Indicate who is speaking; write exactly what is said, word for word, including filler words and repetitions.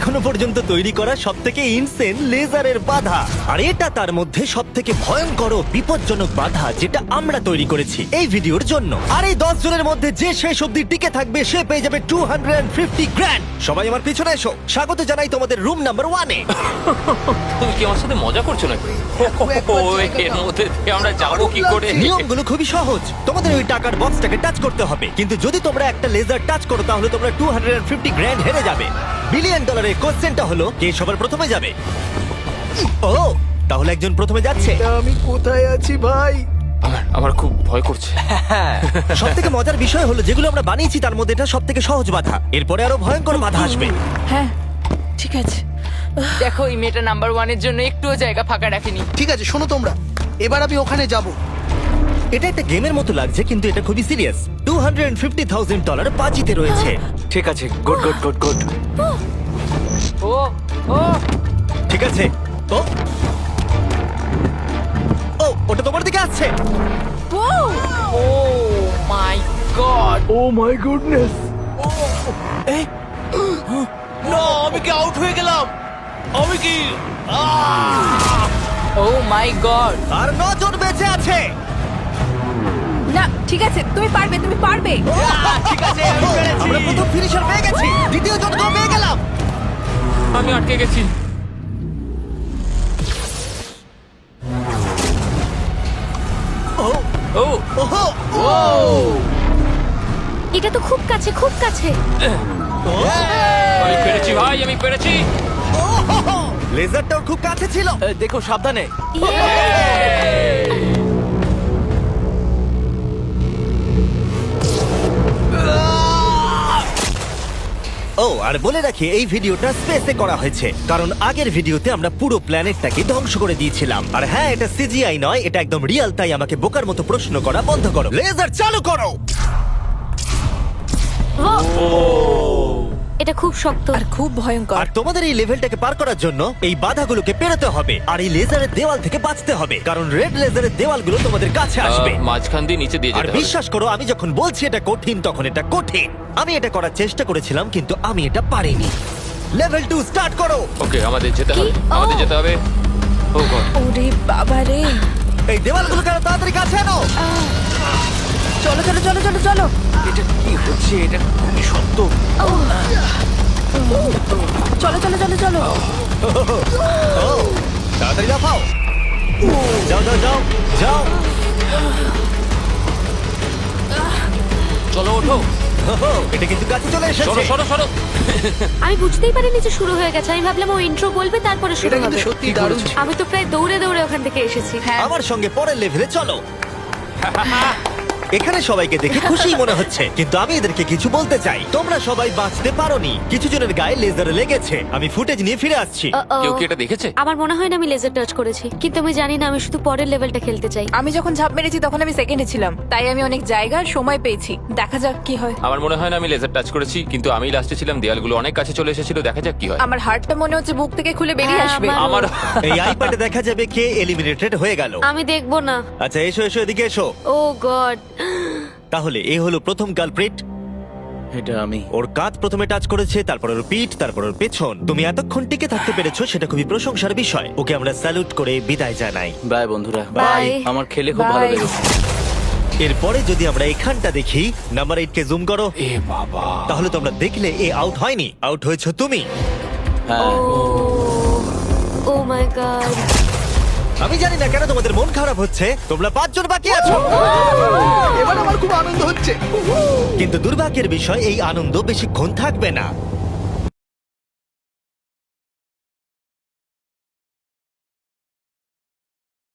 Speaker 1: এখনো পর্যন্ত তৈরি করা সব থেকে ইনসেন লেজারের বাধা, আর এটা তার মধ্যে সব থেকে ভয়ঙ্কর ও বিপজ্জনক বাধা যেটা আমরা তৈরি করেছি এই ভিডিওর জন্য। আর এই দশ জনের মধ্যে যে শেষ অব্দি টিকে থাকবে সে পেয়ে যাবে টু হান্ড্রেড ফিফটি গ্র্যান্ড। সবাই আমার পিছনে এসো, স্বাগত জানাই তোমাদের রুম নাম্বার ওয়ানে।
Speaker 2: তুমি কি আমার সাথে মজা করছো নাকি? এর মধ্যে দিয়ে আমরা যাবো কি করে?
Speaker 1: নিয়মগুলো খুবই সহজ, তোমাদের ওই টাকার বক্সটাকে টাচ করতে হবে, কিন্তু যদি তোমরা একটা লেজার টাচ করো তাহলে তোমরা টু হান্ড্রেড ফিফটি গ্র্যান্ড হেরে যাবে। বিলিয়ন ডলারের কোশ্চেনটা হলো কে সবার প্রথমে যাবে। ও তাহলে একজন প্রথমে যাচ্ছে।
Speaker 3: আমি কোথায় আছি ভাই?
Speaker 2: আমার আমার খুব ভয় করছে।
Speaker 1: সব থেকে মজার বিষয় হলো যেগুলো আমরা বানিয়েছি তার মধ্যে এটা সব থেকে সহজ বাধা, এরপরে আরো ভয়ঙ্কর বাধা আসবে।
Speaker 4: হ্যাঁ ঠিক আছে। দেখো এই মেয়েটা নাম্বার ওয়ানের জন্য একটুও জায়গা ফাঁকা রাখেনি।
Speaker 3: ঠিক আছে শোনো তোমরা, এবার আমি ওখানে যাব।
Speaker 1: এটা একটা গেমের মতো লাগছে কিন্তু এটা খুবই serious. Two hundred fifty thousand dollar বাজিতে রয়েছে।
Speaker 5: ঠিক আছে, good good good good.
Speaker 4: Oh oh
Speaker 1: ঠিক আছে। ও ও ওটা তোমার দিকে আসছে।
Speaker 4: Oh oh my god.
Speaker 3: Oh my goodness.
Speaker 5: না, আমি কি আউট হয়ে গেলাম? আমি কি?
Speaker 4: ও মাই গড।
Speaker 1: আর নজন বেঁচে আছে।
Speaker 4: না ঠিক আছে, তুমি পারবে তুমি পারবে।
Speaker 1: ঠিক আছে, আমরা প্রথম ফিনিশার পেয়ে গেছি, দ্বিতীয় জনকেও পেয়ে গেলাম।
Speaker 2: আমি আটকে গেছি।
Speaker 1: ও
Speaker 2: ও
Speaker 1: ওহো
Speaker 6: এটা তো খুব কাছে খুব কাছে।
Speaker 2: আমি পেরেছি ভাই, আমি পেরেছি।
Speaker 1: লেজারটাও খুব কাছে ছিল।
Speaker 5: এ, দেখো সাবধানে।
Speaker 1: ও আর বলে রাখি এই ভিডিওটা স্পেসে করা হয়েছে কারণ আগের ভিডিওতে আমরা পুরো প্ল্যানেটটাকে ধ্বংস করে দিয়েছিলাম। আর হ্যাঁ, এটা সিজিআই নয়, এটা একদম রিয়েল, তাই আমাকে বোকার মতো প্রশ্ন করা বন্ধ করো। লেজার চালু করো।
Speaker 6: এটা খুব শক্ত।
Speaker 4: আর খুব ভয়ঙ্কর।
Speaker 1: আর তোমাদের এই লেভেলটাকে পার করার জন্য এই বাধাগুলোকে পেরোতে হবে আর এই লেজারের দেওয়াল থেকে বাঁচতে হবে, কারণ রেড লেজারের দেওয়ালগুলো তোমাদের কাছে আসবে।
Speaker 2: আহ, মাঝখান দিয়ে নিচে দিয়ে
Speaker 1: আর
Speaker 2: যেতে হবে।
Speaker 1: বিশ্বাস করো, আমি যখন বলছি এটা কঠিন তখন এটা কঠিন। আমি এটা করার চেষ্টা করেছিলাম কিন্তু আমি এটা পারিনি। লেভেল টু স্টার্ট করো।
Speaker 2: ওকে, আমাদের যেতে
Speaker 6: কি?
Speaker 2: হবে,
Speaker 6: ও।
Speaker 2: আমাদের যেতে হবে। Oh god.
Speaker 4: ওরে বাবা রে।
Speaker 1: এই দেওয়ালগুলো কেন তাড়াতাড়ি কাছে আনো।
Speaker 4: চলো চলো চলো চলো চলো।
Speaker 5: এটা কি হচ্ছে? এটা খুবই শক্ত।
Speaker 4: চলো চলো চলো চলো।
Speaker 1: ও, তাড়াতাড়ি লাফাও। যাও যাও যাও যাও।
Speaker 2: চলো ওঠো।
Speaker 1: ওহো, এটা কিন্তু কাছে চলে
Speaker 2: সরো
Speaker 1: এসেছে।
Speaker 2: সরো সরো।
Speaker 6: আমি বুঝতেই পারিনি যে শুরু হয়ে গেছে। আমি ভাবলাম ও ইন্ট্রো বলবে তারপরে শুরু
Speaker 3: এটা কিন্তু
Speaker 6: হবে।
Speaker 3: সত্যি দারুণ।
Speaker 6: আমি তো প্রায় দৌড়ে দৌড়ে ওখান থেকে এসেছি।
Speaker 4: হ্যাঁ
Speaker 1: আমার সঙ্গে পরের লেভেলে চলো। এখানে সবাইকে দেখে খুশি মনে হচ্ছে কিন্তু আমি এদেরকে কিছু বলতে চাই। তোমরা সবাই বাঁচতে পারোনি, কিছু জনের গায়ে লেজার লেগেছে। আমি ফুটেজ নিয়ে ফিরে আসছি।
Speaker 6: Uh-oh.
Speaker 2: কেউ কি এটা দেখেছে?
Speaker 6: আমার মনে হয় না আমি লেজার টাচ করেছি, কিন্তু আমি জানি না, আমি শুধু পরের লেভেলটা খেলতে চাই।
Speaker 4: আমি যখন ঝাঁপ মেরেছি তখন আমি সেকেন্ডে ছিলাম, তাই আমি অনেক জায়গার সময় পেয়েছি। দেখা যাক কি হয়।
Speaker 2: আমার মনে হয় না আমি লেজার টাচ করেছি, কিন্তু আমি লাস্টে ছিলাম, দেয়ালগুলো অনেক কাছে চলে এসেছিল। দেখা যাক কি হয়।
Speaker 4: আমার হার্টটা মনে হচ্ছে বুক থেকে খুলে বেরিয়ে
Speaker 6: হ্যাঁ,
Speaker 4: আসবে।
Speaker 6: আমার-
Speaker 2: আমার
Speaker 1: এই আইপ্যাডে দেখা যাবে কে এলিমিনেটেড হয়ে গেল।
Speaker 6: আমি দেখবো না।
Speaker 1: আচ্ছা এসো এসো, এদিকে এসো।
Speaker 6: Oh god.
Speaker 1: তাহলে এ হলো প্রথম কালপ্রিট।
Speaker 5: এটা আমি।
Speaker 1: ওর কাঁধ প্রথমে টাচ করেছে, তারপর ওর পিঠ, তারপর ওর পেছন। তুমি এতক্ষণ টিকে থাকতে পেরেছো, সেটা খুবই প্রশংসার বিষয়। ওকে আমরা স্যালুট করে বিদায় জানাই।
Speaker 5: বাই বন্ধুরা।
Speaker 6: Bye.
Speaker 5: আমার খেলে খুব ভালো
Speaker 4: Bye.
Speaker 5: লেগেছে।
Speaker 1: এরপরে যদি আমরা এখানটা দেখি, নাম্বার এইট কে জুম করো,
Speaker 2: এ বাবা।
Speaker 1: তাহলে তোমরা দেখলে এ আউট হয়নি, আউট হয়েছো তুমি।
Speaker 5: হ্যাঁ।
Speaker 6: Oh my god.
Speaker 1: আমি জানি না কেন তোমাদের মন খারাপ হচ্ছে, তোমরা পাঁচজন বাকি আছো।
Speaker 3: এবার আমার খুব আনন্দ হচ্ছে।
Speaker 1: কিন্তু দুর্ভাগ্যের বিষয়, এই আনন্দ বেশিক্ষণ থাকবে না।